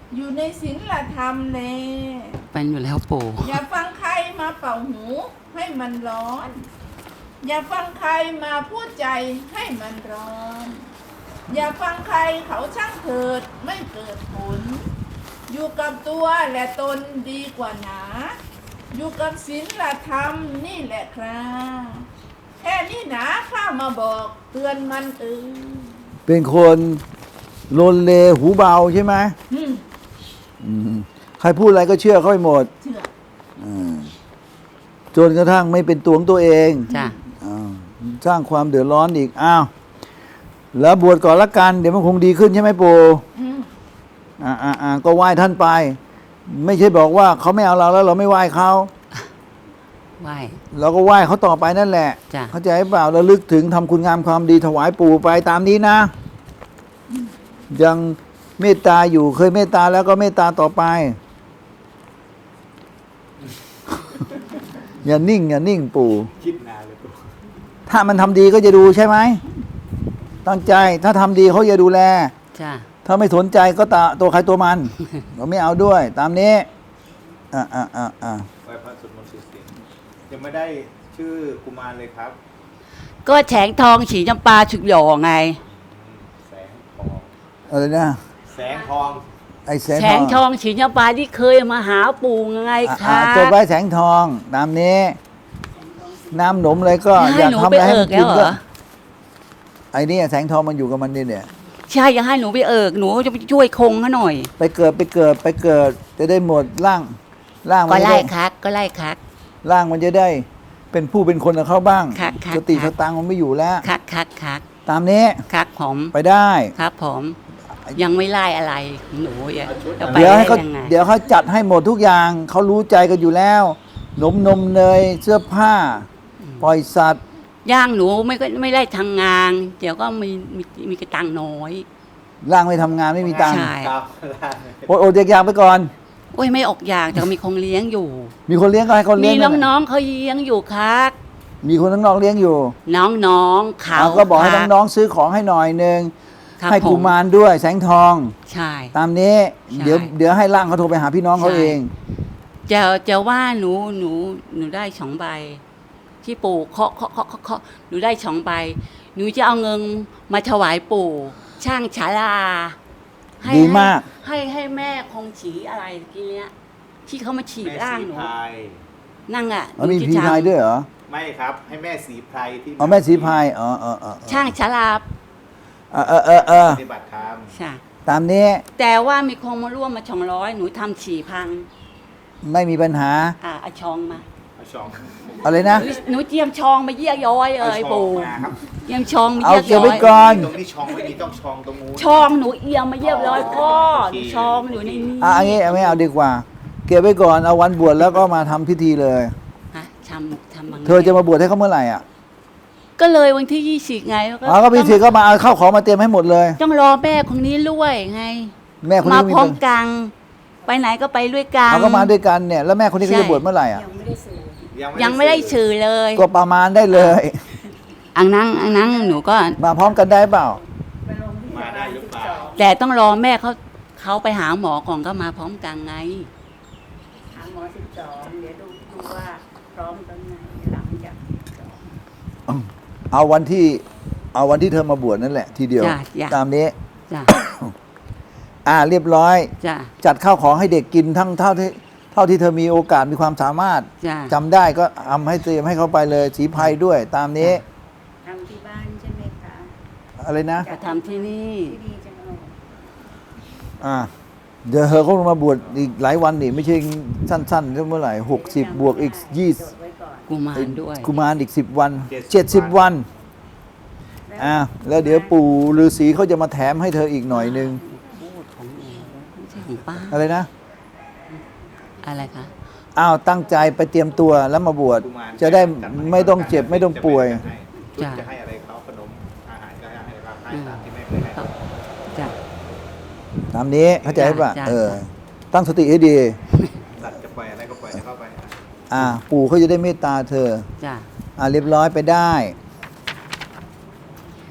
อยู่ในศีลธรรมแลเป็นอยู่แล้วปู่อย่าฟังใครมาเป่าหูให้มันร้อน อย่าฟังใครมาพูดใจให้มันร้อน อย่าฟังใครเขาช่างเถิดไม่เกิดผล อยู่กับตัวและตนดีกว่าหนา อยู่กับศีลธรรมนี่แหละครับแค่นี้นะข้ามาบอกเตือนมันเป็นคนโลนเลหูเบาใช่ไหมใครพูดอะไรก็เชื่อเขาไปหมดเชื่อจนกระทั่งไม่เป็นตัวของตัวเองจ้ะสร้างความเดือดร้อนอีกอ้าวแล้วบวชก่อนละกันเดี๋ยวมันคงดีขึ้นใช่ไหมปู่ก็ไหว้ท่านไป ไม่ใช่บอกว่าเขาไม่เอาเราแล้วเราไม่ไหว้เขาไหว้เราก็ไหว้เขาต่อไปนั่นแหละเข้าใจเปล่าระลึกถึงทำคุณงามความดีถวายปู่ไปตามนี้นะยังเมตตาอยู่เคยเมตตาแล้วก็เมตตาต่อไป อย่านิ่งปู่คิดนานเลยปู่ถ้ามันทำดีก็จะดูใช่ไหมตั้งใจถ้าทำดีเขาจะดูแลจ้ะถ้าไม่สนใจก็ตัวใครตัวมัน เราไม่เอาด้วยตามนี้ไหว้พระสวดมนต์สุดเสียงยังไม่ได้ชื่อกุมารเลยครับก็แฉงทองฉีจำปาฉุกหย่อไงแสงทองอะไรนะแสงทองไอ้แสงทองฉีจำปาที่เคยมาหาปู่ไงครับจดไว้แสงทองตามนี้น้ำหนมอะไรก็อยากทำอะไรให้มันกินก็ไอ้นี่แสงทองมันอยู่กับมันนี่เนี่ยใช่ยังให้หนูไปหนูจะไปช่วยคงเขาหน่อยไปเกิดจะได้หมดร่างก็ไล่คักร่างมันจะได้เป็นผู้เป็นคนกับเขาบ้างสติสตังมันไม่อยู่แล้วคักตามนี้ครับผมไปได้ครับผมยังไม่ไล่อะไรหนูเดี๋ยวเขาจัดให้หมดทุกอย่างเขารู้ใจกันอยู่แล้วนมเนยเสื้อผ้าปล่อยสัตว์ย่างหนูไม่ได้ทำงานเดี๋ยวก็มีกระตังน้อยร่างไม่ทำงานไม่มีตังค์ใช่อดอยากไปก่อนโอ้ยไม่ออกอยากแต่มีคนเลี้ยงอยู่มีคนเลี้ยงก็ให้คนเลี้ยงมีน้องๆเขาเลี้ยงอยู่ครับมีคนน้องๆเลี้ยงอยู่น้องๆเขาก็บอกให้น้องๆซื้อของให้หน่อยนึงให้กุมารด้วยแสงทองใช่ตามนี้เดี๋ยวให้ร่างเขาโทรไปหาพี่น้องเขาเองจะว่าหนูได้2 ใบที่ปู่เคาะหนูได้2 ใบหนูจะเอาเงินมาถวายปู่ช่างฉาลาดีมากให้แม่คงฉีอะไรทีเนี้ยที่เขามาฉีดร่างหนูนั่งมีพีพายด้วยเหรอไม่ครับให้แม่สีไพรที่แม่สีพายช่างฉาลาปฏิบัติธรรมใช่ตามนี้แต่ว่ามีคนมาร่วมมา200หนูทำ4,000 ไม่มีปัญหาเอาชองมาอะไรนะหนูเตรียมชองมาเยี่ยย้อยเลยปู่เตรียมชองมาเยี่ยย้อยเอาเก็บไว้ก่อนตรงนี้ชองไม่มีต้องชองตรงนู้นชองหนูเอียงมาเยี่ยย้อยพ่อชองอยู่ในนี้อันนี้ไม่เอาดีกว่าเก็บไว้ก่อนเอาวันบวชแล้วก็มาทำพิธีเลยทำเธอจะมาบวชให้เขาเมื่อไหร่ก็เลยวันที่20ไงก็พิธีก็มาเอาข้าวของมาเตรียมให้หมดเลยต้องรอแม่คนนี้ด้วยไงแม่คนนี้มาพร้อมกันไปไหนก็ไปด้วยกันเขาก็มาด้วยกันเนี่ยแล้วแม่คนนี้ก็จะบวชเมื่อไหร่ยังไม่ได้สื่อเลยก็ประมาณได้เลยอังนั่งหนูก็มาพร้อมกันได้เปล่ามาได้หรือเปล่าแต่ต้องรอแม่เขาไปหาหมอก่อนก็มาพร้อมกันไงหาหมอ12เดี๋ยวดูว่าพร้อมตอนไหนหลังจากเอาวันที่เธอมาบวชนั่นแหละทีเดียวตามนี้เรียบร้อยจัดข้าวของให้เด็กกินทั้งเท่าที่เธอมีโอกาสมีความสามารถจำได้ก็ทำให้เตรียมให้เขาไปเลยสีไพรด้วยตามนี้ทำที่บ้านใช่ไหมคะอะไรนะจะทำที่นี่เดี๋ยวเธอเขามาบวชอีกหลายวันนี่ไม่ใช่สั้นๆเมื่อไหร่60บวกอีก20 กุมารด้วยกุมารอีก10 วัน70 วันแล้วเดี๋ยวปู่ฤาษีเขาจะมาแถมให้เธออีกหน่อยนึงอะไรนะอะไรคะตั้งใจไปเตรียมตัวแล้วมาบวชจะได้ไม่ต้องเจ็บไม่ต้องป่วยจะให้อะไรเขาขนมอาหารก็ให้เราให้ตามที่แม่เคยให้ตามนี้เข้าใจป่ะตั้งสติให้ดีสัตว์จะปล่อยอะไรก็ปล่อยเข้าไปปู่เขาจะได้เมตตาเธอเรียบร้อยไปได้